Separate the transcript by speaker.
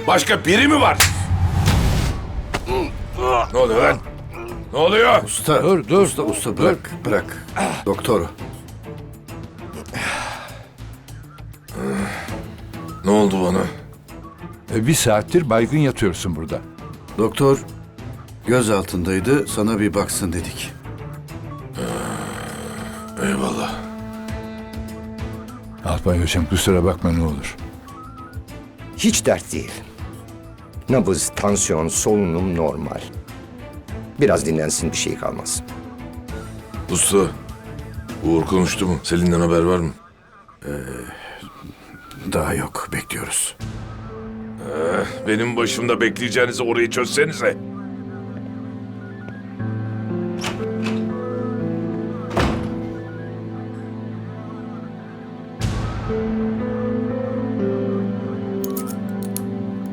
Speaker 1: Başka biri mi var? Ne oluyor lan? Ne oluyor?
Speaker 2: Usta,
Speaker 3: Dur.
Speaker 2: usta bırak. Doktor,
Speaker 1: Ne oldu bana?
Speaker 3: Bir saattir baygın yatıyorsun burada.
Speaker 2: doktor göz altındaydı, sana bir baksın dedik.
Speaker 1: Eyvallah.
Speaker 3: Alpay hocam kusura bakma ne olur.
Speaker 4: Hiç dert değil. Nabız, tansiyon, solunum normal. Biraz dinlensin bir şey kalmaz.
Speaker 1: Usta, Uğur konuştu mu? Selin'den haber var mı?
Speaker 2: Daha yok, bekliyoruz.
Speaker 1: Benim başımda bekleyeceğinizi orayı çözsenize.